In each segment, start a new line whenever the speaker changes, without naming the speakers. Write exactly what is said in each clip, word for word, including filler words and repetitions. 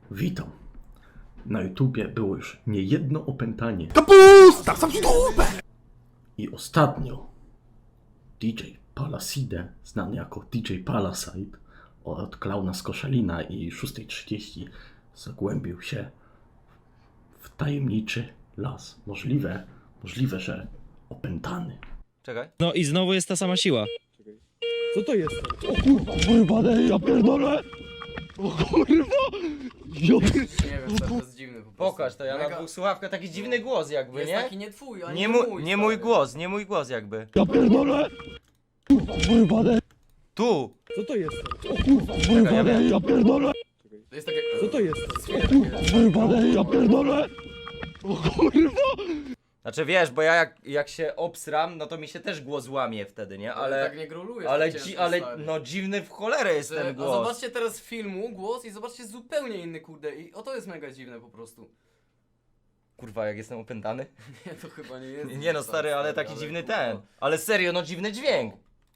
Witam. Na YouTubie było już niejedno opętanie.
Kapusta! Sam się dupę!
I ostatnio D J Palaside, znany jako D J Palasite, od Klauna z Koszalina i szósta trzydzieści zagłębił się w tajemniczy las. Możliwe, możliwe, że opętany.
Czekaj.
No i znowu jest ta sama siła.
Co to jest? O kurwa, kurwa, ja pierdolę! O kurwa! Ja
Nie wiem, to jest dziwny po prostu.
Pokaż to, ja na
Mega-
dwóch słuchawkach taki dziwny głos jakby,
Jest
nie?
taki nie twój, ani
Nie,
mój,
mu, nie mój
stary.
głos, nie mój głos jakby.
Ja pierdolę! Kurwa, kurwa,
Tu!
co to jest? O kurwa, kurwa, ja pierdolę!
To jest takie...
Co to jest?
Słyszę
Kurwa,
takie...
kurwa, ja pierdolę! O kurwa!
Znaczy wiesz, bo ja jak, jak się obsram, no to mi się też głos łamie wtedy, nie?
Ale
Ale,
tak nie grolujesz.
ale,
tak
dzi,
ciężko,
ale
stary.
no dziwny w cholerę jest
Że-
ten
A
głos.
zobaczcie teraz filmu, głos i zobaczcie zupełnie inny, kurde. I o to jest mega dziwne po prostu.
Kurwa, jak jestem opętany?
Nie, to chyba nie jest.
Nie no stary, ale taki dziwny ten. Ale serio, no dziwny dźwięk.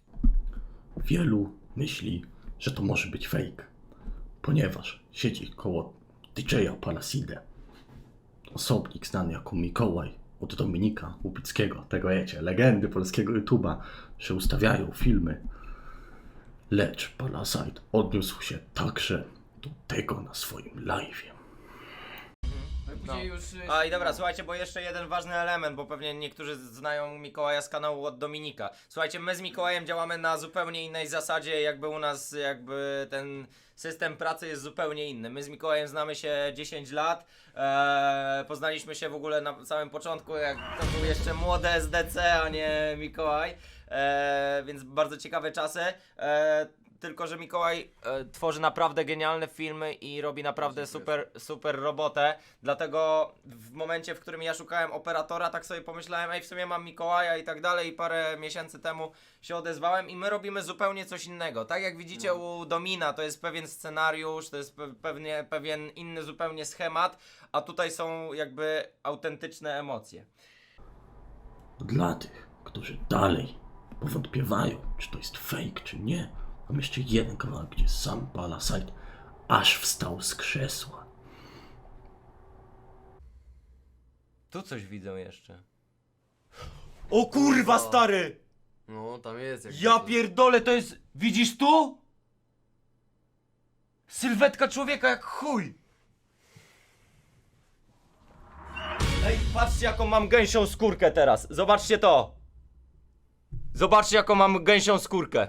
Wielu myśli, że to może być fake, ponieważ siedzi koło D J Palaside osobnik znany jako Mikołaj od Dominika Łupickiego, tego wiecie, legendy polskiego YouTube'a, że ustawiają filmy. Lecz Palasite odniósł się także do tego na swoim live'ie.
No. Już, y,
A i dobra, słuchajcie, bo jeszcze jeden ważny element, bo pewnie niektórzy znają Mikołaja z kanału od Dominika. Słuchajcie, my z Mikołajem działamy na zupełnie innej zasadzie, jakby u nas jakby ten system pracy jest zupełnie inny. My z Mikołajem znamy się dziesięć lat, eee, poznaliśmy się w ogóle na samym początku, jak to był jeszcze młody S D C, a nie Mikołaj, eee, więc bardzo ciekawe czasy. Eee, Tylko, że Mikołaj e, tworzy naprawdę genialne filmy i robi naprawdę super, super robotę. Dlatego w momencie, w którym ja szukałem operatora, tak sobie pomyślałem, ej, w sumie mam Mikołaja i tak dalej. I parę miesięcy temu się odezwałem i my robimy zupełnie coś innego. Tak jak widzicie no. u Domina, to jest pewien scenariusz, to jest pe pewnie, pewien inny zupełnie schemat, a tutaj są jakby autentyczne emocje.
Dla tych, którzy dalej powątpiewają, czy to jest fake, czy nie, mam jeszcze jeden kawałek, gdzie sam Palasite aż wstał z krzesła.
Tu coś widzę jeszcze. O kurwa, stary!
No, tam jest jak
Ja pierdolę, to jest... Widzisz tu? Sylwetka człowieka jak chuj! Ej, patrzcie jaką mam gęsią skórkę teraz. Zobaczcie to. Zobaczcie jaką mam gęsią skórkę.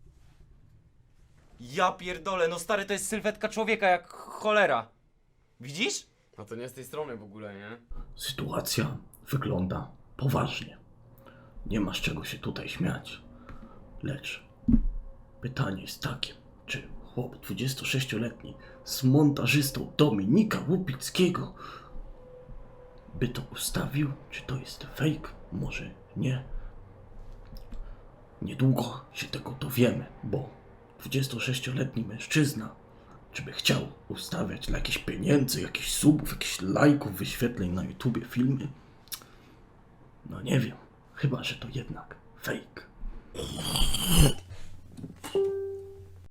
Ja pierdolę, no stary, to jest sylwetka człowieka jak cholera. Widzisz?
No to nie z tej strony w ogóle, nie?
Sytuacja wygląda poważnie. Nie ma z czego się tutaj śmiać. Lecz pytanie jest takie, czy chłop dwudziestosześcioletni z montażystą Dominika Łupickiego by to ustawił? Czy to jest fake? Może nie. Niedługo się tego dowiemy, bo dwudziestosześcioletni mężczyzna, czy by chciał ustawiać dla jakichś pieniędzy, jakichś subów, jakichś lajków, wyświetleń na YouTubie filmy? No nie wiem, chyba że to jednak fake.